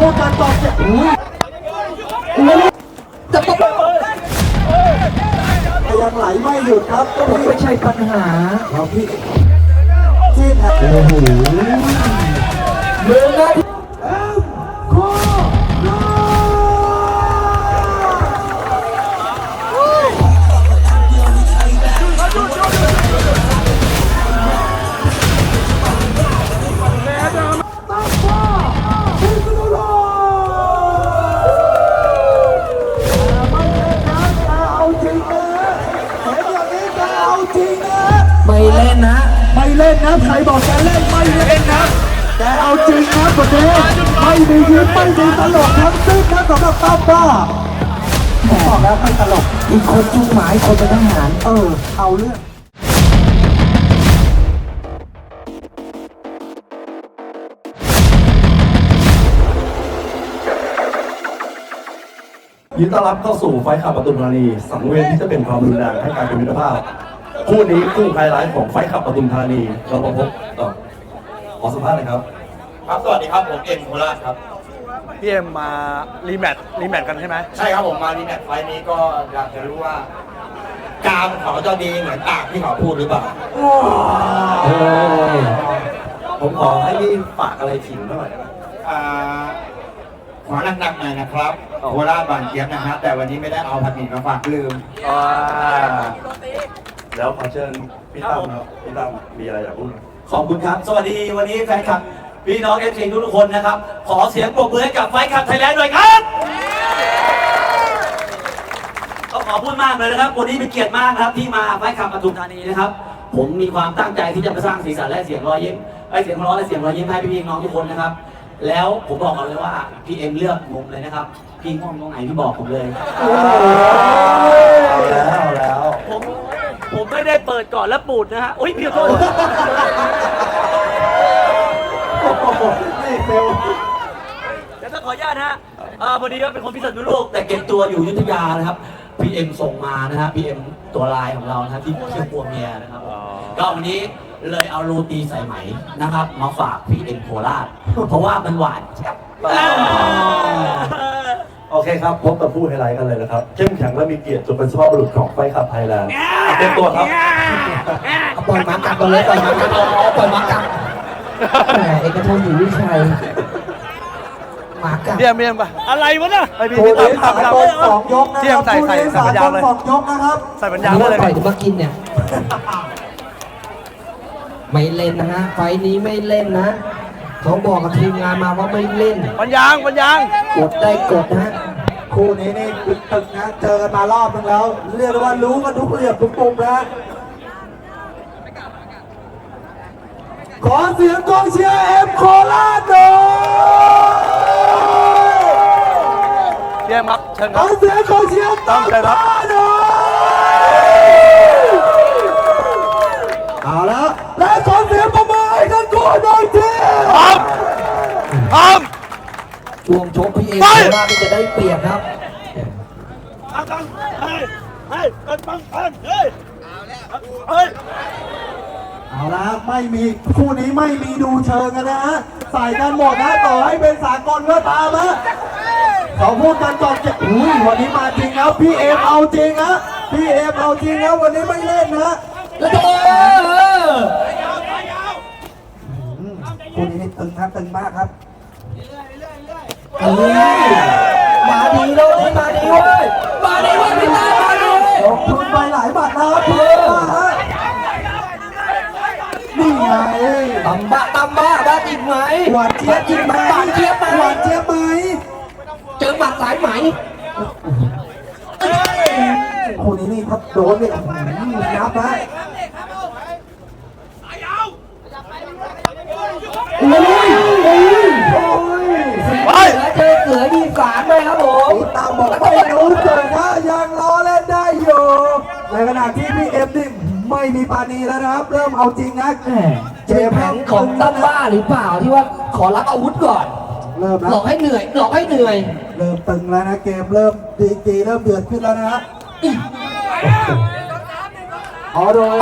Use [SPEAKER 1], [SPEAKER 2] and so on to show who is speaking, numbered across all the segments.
[SPEAKER 1] พูดกันต่อจะจะตบยังไหลไม่หยุดครับก็ไม่ใช่ปัญหาครับพี่ที่แท้โอ้โหเมืองนะไม่เล่นนะไม่เล่นนะใครบอกแกเล่นไม่เล่นนะแกเอาจริงนะประเทศไม่มียิ้มไม่มีตลกทั้งสิ้นนะสำหรับตั้มบ้าบอกแล้วไม่ตลกอีกคนจุ้งหมายคนเป็นทหารเอาเรื่อง
[SPEAKER 2] ยินดีต้อนรับเข้าสู่ไฟท์ขับปทุมธานีสังเวียนที่จะเป็นความรุนแรงให้การเป็นมิตรภาพคู่นี้คู่ไฮไลท์ของไฟท์ขับปทุมธานีเราพบต่อขอสัมภาษณ์เลยครับ
[SPEAKER 3] ครับสวัสดีครับผมเอ็มโคราชครับ
[SPEAKER 4] พี่เอ็มมารีแมตช์กันใช่ไหม
[SPEAKER 3] ใช่ครับผมมารีแมตช์ไฟล์นี้ก็อยากจะรู้ว่ากามเขาจะดีเหมือนปากที่เขาพูดหรือเปล่า
[SPEAKER 2] ผมขอให้พี่ฝากอะไรถึงหน่อย
[SPEAKER 3] ขอหนักๆหน่อยนะครับโคราชบานเจี๊ยบนะครับแต่วันนี้ไม่ได้เอาผัดหมี่มาฝากลืม
[SPEAKER 2] แล้วขอเชิญพี่ตั้มครับพี่ตั้มมีอะไรอยากพูด
[SPEAKER 5] ขอบคุณครับสวัสดีวันนี้แฟนคลับพี่น้องFCทุกคนนะครับขอเสียงปรบมือให้กับไฟท์คลับไทยแลนด์หน่อยครับก็ขอพูดมากเลยนะครับวันนี้เป็นเกียรติมากครับที่มาไฟท์คลับปทุมธานีนะครับผมมีความตั้งใจที่จะมาสร้างสีสันและเสียงรอยยิ้มเสียงร้องและเสียงรอยยิ้มให้พี่น้องทุกคนนะครับแล้วผมบอกกันเลยว่าพี่เอ็มเลือกมุมเลยนะครับพี่ง่วงตรงไหนพี่บอกผมเลย
[SPEAKER 2] เอาแล้ว
[SPEAKER 4] ผมไม่ได้เปิดก่อนแล้วปูดนะฮะโอ้ยพี่ขอโทษ
[SPEAKER 1] นี่เฟล
[SPEAKER 4] แต่ถ้าขออนุญาตนะฮะพอดีว่าเป็นคนพิษณุโลก
[SPEAKER 5] แต่เก็บตัวอยู่อยุธยานะครับพี่เอ็มส่งมานะฮะพี่เอ็มตัวลายของเรานะครับที่เชื่อปัวเมียนะครับก็วันนี้เลยเอาโรตีใส่ไหมนะครับมาฝากพี่เอ็มโคราชเพราะว่ามันหวาน
[SPEAKER 2] โอเคครับพบกับผู้ไฮไลท์กันเลยนะครับเข้มแข็งและมีเกียรติจนเป็นสุภาพบุรุษของไฟท์ขับไทยแลนด์เต็มตัวครับ
[SPEAKER 1] ปล่อยมากัดกันเลยปล่อยมากัดปล่อยมากัดแหมเอกชนอยู่วิชัยมากัด
[SPEAKER 4] เยี่ยมป่ะอะไรวะน่ะไอพี่
[SPEAKER 1] ตามสองยกนะ
[SPEAKER 4] เที่ยมใส่ปัญญาเลย
[SPEAKER 1] สองยกนะครับ
[SPEAKER 4] ใส่ปัญญาเลย
[SPEAKER 1] ปล่อยมากินเนี่ยไม่เล่นนะฮะไฟนี้ไม่เล่นนะเขาบอกกับทีมงานมาว่าไม่เล่น
[SPEAKER 4] ปัญญาง
[SPEAKER 1] กดได้กดนะคู่นี้นี่ตึกนะเจอกันมารอบนึงแล้วเรียกว่ารู้กันทุกเหลี่ยมทุกมุมนะขอเสียงกองเชียร์เอ็มโคราชหน่อย
[SPEAKER 4] เยี่ยมครับเชิญค
[SPEAKER 1] รับขอเสียงกองเชียร์ตั้มหน่อยเอาละและขอเสียงประมือให้ทั้งคู่หน่อยทีช่วงชกพี่เอ็มโคราชจะได้เปรียบครับเอาละไม่มีคู่นี้ไม่มีดูเชิงกันนะฮะใส่กันหมดนะต่อให้เป็นสากลก็ตามนะเขาพูดกันก่อนจะวันนี้มาจริงแล้วพี่เอ็มเอาจริงนะพี่เอ็มเอาจริงแล้ววันนี้ไม่เล่นนะคู่นี้ตึงครับตึงมากครับมาดีเลยมาดีเว้ยพี่ตามาดีลงทุนไปหลายบาทแล้วเพื่อนนี่ไงตำบ้าบ้าจริงไหมหวานเจี๊ยบจริงไหมหวานเจี๊ยบไหมเจอหมัดสายไหมคู่นี้นี่ถ้าโดนเนี่ยนับนะแล้วเจอเสือยีสานเลยครับผมตามบอกไม่รู้เกิดนะยังล้อเล่นได้อยู่ในขณะที่พี่เอ็มนี่ไม่มีปานีแล้วนะครับเริ่มเอาจริงนะเจแผนของตั้มบ้าหรือเปล่าที่ว่าขอรับอาวุธก่อนเริ่มหลอกให้เหนื่อยเริ่มตึงแล้วนะเกมเริ่มดีเริ่มเดือดขึ้นแล้วนะเอาเลย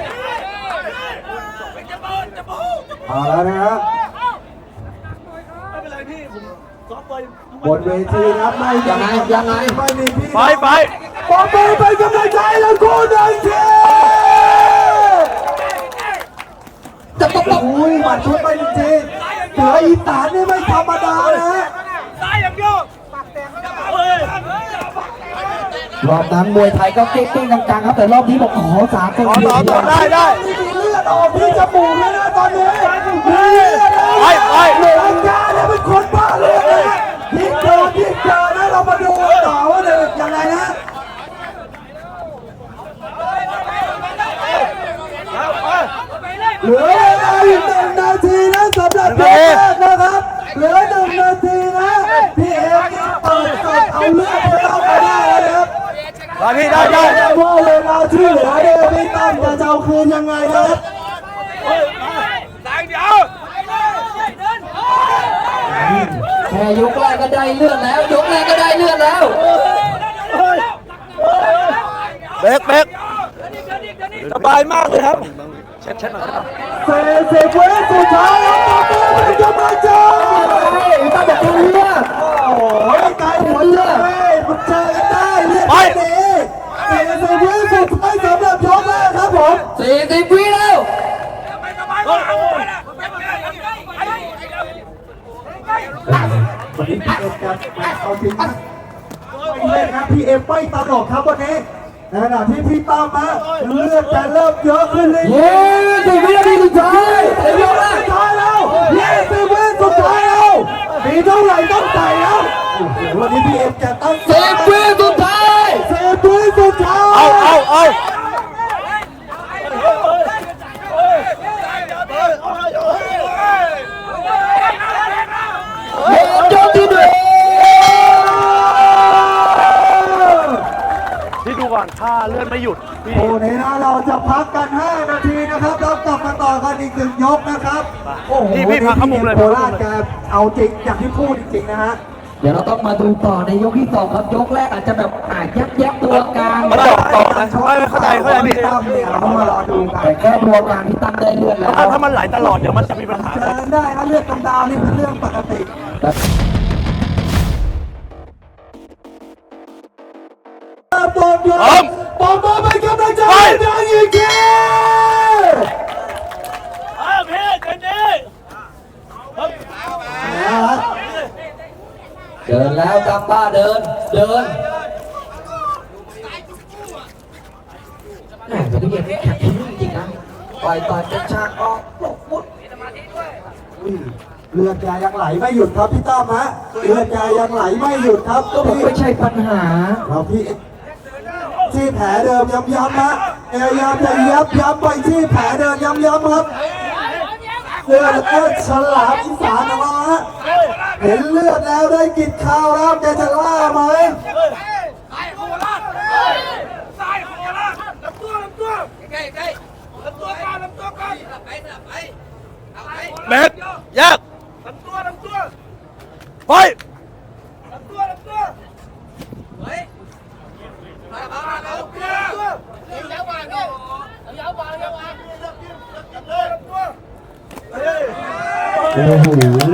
[SPEAKER 1] เอาแล้วนะครับ
[SPEAKER 4] เป็นไรพี่ผมซ้อมไป
[SPEAKER 1] บนเวทีครับไม่ไม่มีพี่
[SPEAKER 4] ไปไป
[SPEAKER 1] ปอมมือเป็นกำลังใจแล้วคู่หนึ่งทีจะต้องอุ้ยหมัดชุดไปจริงๆเสืออีสานนี่ไม่ธรรมดานะฮะ
[SPEAKER 4] ซ้ายอย่างเดียวเฮ้ย
[SPEAKER 1] รอบนั้นมวยไทยก็เก่งๆกลางๆครับแต่รอบนี้บอกขอสากลได้มีเลือดออกที่จมูกเลยนะตอนนี้มีเลือดออกเหลืองกาเนี่ยเป็นคนบ้าเลือดเลยยิ่งเจอนะเรามาดูต่อว่าเนี่ยยังไงนะเหลือเวลาอีก1 นาทีนะสำหรับยกแรกนะครับเหลือ1 นาทีนะพี่เอ็มเปิดเอาเลือดเข้าไปได้แล้วนะครับ
[SPEAKER 4] พี่ได้
[SPEAKER 1] ว่าเวลาที่เหลือเนี่ยพี่ตั้มจะเอาคืนยังไงนะครับ
[SPEAKER 4] ซ้ายเดียว
[SPEAKER 6] แค่ยกแรกก็ได้เลือดแล้ว ยกแรกก็ได้เลือดแล้ว
[SPEAKER 4] เบรกสบายมากเลยครับเช็ดหน่อย
[SPEAKER 1] 40 วิสุดท้ายแล้วต่อไปเป็นกำลังใจ
[SPEAKER 6] ตั้มบอกเลือด
[SPEAKER 1] โอ้โหไกลหัวเลือดมันเจอกันได้เลือดดี40 วิสุดท้ายสำหรับยกแรกครับผม
[SPEAKER 6] 40 วิแล้ว
[SPEAKER 1] วันนี้พี่เอ็มจะเอาจริงนะไม่เล่นครับพี่เอ็มไม่ตลกครับวันนี้ในขณะที่พี่ตั้มนะเลือดจะเริ่มเยอะขึ้นเลย
[SPEAKER 6] 20 วินาทีสุดท้ายในยกแรก
[SPEAKER 1] สุดท้ายแล้ว20 วิสุดท้ายแล้วมีเท่าไหร่ต้องใส่แล้วโอ้โหวันนี้พี่เอ็มจะตั้ง
[SPEAKER 6] 10 วิสุดท้าย
[SPEAKER 1] 10 วิสุดท้าย
[SPEAKER 4] เอา
[SPEAKER 6] ยกที่
[SPEAKER 4] พี่ดูก่อนถ้าเลื่อนไม่หยุดพี่
[SPEAKER 1] โอ้นี้นะเราจะพักกัน 5 นาทีนะครับแล้วกลับมาต่อกันอีก1 ยกนะครับโอ้โห
[SPEAKER 4] พี่พักเข้ามุมเลย
[SPEAKER 1] โคราชแกเอาจริงอย่างที่พูดจริงๆนะฮะ
[SPEAKER 6] เดี๋ยวเราต้องมาดูต่อในยกที่ 2 ครับ ยกแรกอาจจะแบบแยบตัวกลาง
[SPEAKER 4] มาต่อนะเข้าใจพี่
[SPEAKER 1] ตั้มเนี่ยเราต้องมารอดูกัน
[SPEAKER 6] แต่แค่ตัวกลางที่ตั้งได้เลือดแล้ว
[SPEAKER 4] ถ้ามันไหลตลอดเดี๋ยวมันจะมีปัญหา
[SPEAKER 1] เจอได้นะเลือดกำดาวนี่เป็นเรื่องปกติปอมยศปอมมาเป็นกำลังใจให้ดังอีกที
[SPEAKER 4] พี่เจนนี่
[SPEAKER 6] เดินแล้วกำบ้าเดินแหมจะได้เห็นแข็งจริงนะต่อยเป็นฉากออกปลุกปุ๊บ
[SPEAKER 1] เลือดยายังไหลไม่หยุดครับพี่ตั้มฮะเลือดยายังไหลไม่หยุดครับ
[SPEAKER 6] ก็บอกไม่ใช่ปัญหา
[SPEAKER 1] เราพี่ที่แผลเดิมย้ำๆนะพยายามจะย้ำไปที่แผลเดิมย้ำๆครับเลือดฉลามอีสานของเราฮะเห็นเลือดแล้วได้กินข้าวแล้วแกจะล่าไหม
[SPEAKER 4] เบรกยากไป
[SPEAKER 1] โอ้โห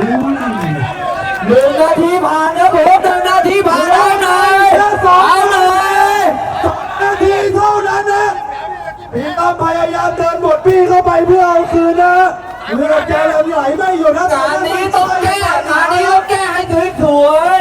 [SPEAKER 6] 1 นาทีผ่านครับผม1 นาทีผ่านแล้วหน่อย
[SPEAKER 1] แค่2
[SPEAKER 6] เอาหน่อย
[SPEAKER 1] นาทีเท่านั้นนะพี่ตั้มพยายามเดินบทพี่เข้าไปเพื่อเอาคืนนะเลือดแกยังไหลไม่หยุดนะ
[SPEAKER 6] งานนี้ต้องแก้งานนี้ต้องแก้ให้สวย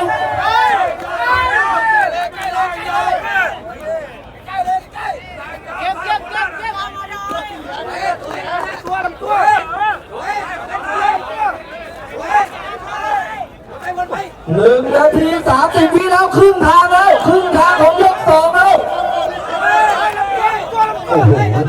[SPEAKER 6] 1 นาที 30 วิแล้วครึ่งทางแล้วครึ่งทางของยก 2แล้ว
[SPEAKER 1] โอ้โห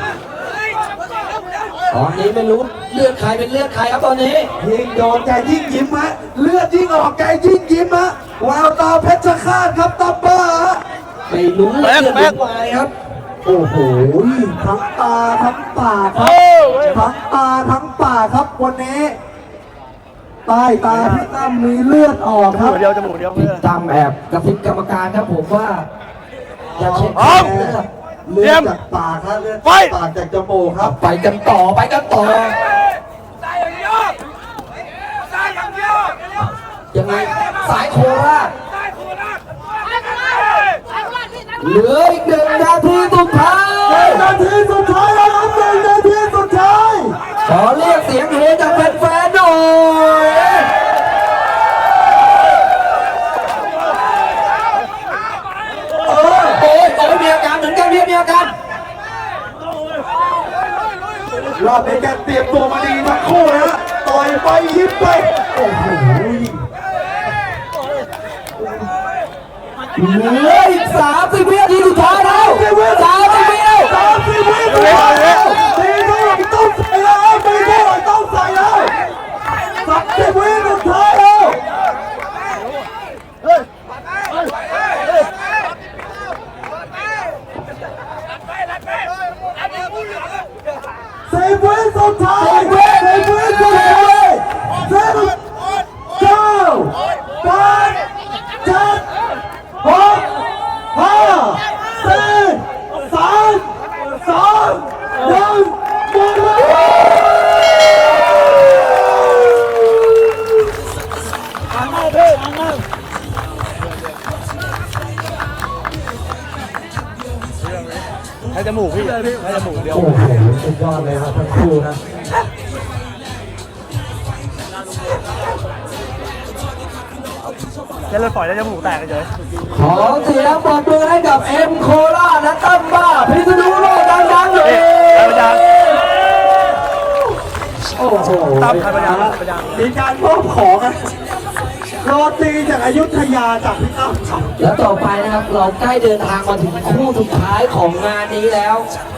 [SPEAKER 6] ตอนนี้ไม่รู้เลือดใครเป็นเลือดใครครับตอนนี้
[SPEAKER 1] ยิ่งโดนแกยิ่งยิ้มฮะเลือดยิ่งออกแกยิ่งยิ้มฮะแววตาเพชรฆาตครับตับเบอร์ฮะ
[SPEAKER 6] ไม่รู้เลือดเป็นวายครับ
[SPEAKER 1] โอ้โหทั้งตาทั้งปากครับทั้งตาทั้งปากครับวันนี้ใต้ตาพี่ตั้มมีเลือดออกครับ
[SPEAKER 4] เดียวจมูกเดียว
[SPEAKER 6] ติดตามแอบกระซิบกรรมการครับผมว่าอย่าเช็ค
[SPEAKER 4] พร้อม
[SPEAKER 1] เลือดจากปากครับเลือดจากปากจากจมูกครับ
[SPEAKER 6] ไปกันต่อไปกันต่อยังไงสายโคราชเหลืออีก1 นาทีสุดท้าย
[SPEAKER 1] 1 นาทีสุดท้ายแล้วครับ1 นาทีสุดท้าย
[SPEAKER 6] ขอเรียกเสียงเฮจากแฟนๆหน่อยโอ้ยมีอาการเหมือนกันมีอาการ
[SPEAKER 1] รอบนี้แกเตรียมตัวมาดีทั้งคู่นะฮะต่อยไปยิ้มไปโอ้โห
[SPEAKER 6] เหลืออีก30 วินาทีสุดท้ายแล้ว30 วิแล้ว
[SPEAKER 1] 30 วิสุดท้ายแล้วตีเท่าไหร่ต้องใส่แล้วตีเท่าไหร่ต้องใส่แล้ว30 วิสุดท้ายแล้ว10 วิสุดท้าย10 วิสุดท้าย10 9 8 7 6 5 4 3 2 1หมดเวลา
[SPEAKER 4] ให้จมูกพี่ให้จมูกเดียว
[SPEAKER 1] โอ้โหสุดยอดเลยครับทั้งคู่นะ
[SPEAKER 4] แค่เลือดฝอยแล้วจมูกแตกเฉย
[SPEAKER 6] ขอเสียงปรบมือให้กับเอ็มโคราชและตั้มบ้าพิษณุโลกดังๆเลย
[SPEAKER 4] พยายาม
[SPEAKER 1] โอ้โห
[SPEAKER 4] ตั้มพยายามพยายาม
[SPEAKER 1] มีการมอบของนะโรตีจากอยุธยาจากพี่ตั้มครับ
[SPEAKER 6] แล้วต่อไปนะครับเราใกล้เดินทางมาถึงคู่สุดท้ายของงานนี้แล้ว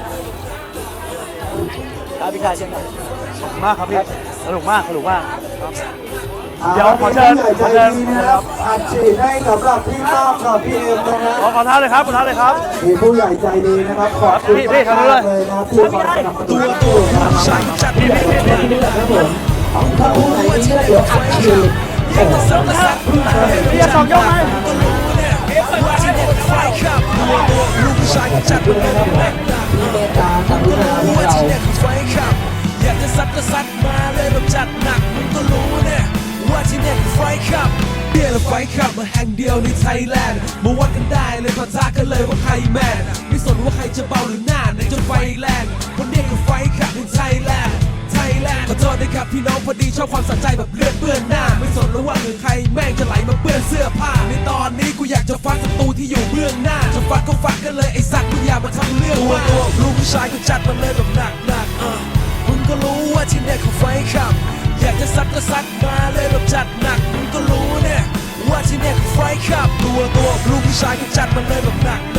[SPEAKER 4] ครับพี่ชายเช่นกันขอบคุณมากครับพี่สนุกมากเดี๋ยวขอเชิญ
[SPEAKER 1] ผู้ใหญ่ใจดีนะครับอัดฉีดให้สำหรับพี่ตั้มกับพี่เอ็มนะฮะ
[SPEAKER 4] ขอท้าเลยครับ
[SPEAKER 1] มีผู้ใหญ่ใจดีนะครับขอบคุณ
[SPEAKER 4] พี่
[SPEAKER 1] มาก
[SPEAKER 4] ทำเลย
[SPEAKER 1] เลยนะครับที่คอยสนับสนุนคู่นะครับ
[SPEAKER 6] ถ้าคู่ไหนมีเลือดเดี๋ยวอัดฉีด
[SPEAKER 4] พี่จะ2 ยกไหม
[SPEAKER 6] มีเมตตากรุณาพวกเรา
[SPEAKER 7] อยากจะซัดก็ซัดมาเลยแบบจัดหนักมึงก็รู้เนี่ยว่าที่เนี่ยคือไฟขับเบียร์และไฟขับมาแห่งเดียวในไทยแลนด์มาวัดกันได้เลยปะทะกันเลยว่าใครแมนไม่สนว่าใครจะเบาหรือหน้าในจนไฟแรงคนเนี้ยคือไฟขับในไทยแลนด์ขอโทษนะครับพี่น้องพอดีชอบความสะใจแบบเลือดเปื้อนหน้าไม่สนแล้วว่าหรือใครแม่งจะไหลมาเปื้อนเสื้อผ้าในตอนนี้กูอยากจะฟัดศัตรูที่อยู่เบื้องหน้าจะฟัดก็ฟัดกันเลยไอ้สัตว์มึงอย่ามาทำเรื่องว่าลูกผู้ชายก็จัดมาเลยแบบหนักมึงก็รู้ว่าที่เนี่ยคือไฟขับอยากจะซัดก็ซัดมาเลยแบบจัดหนักมึงก็รู้เนี่ยว่าที่เนี่ยคือไฟขับตัวลูกผู้ชายก็จัดมาเลยแบบหนัก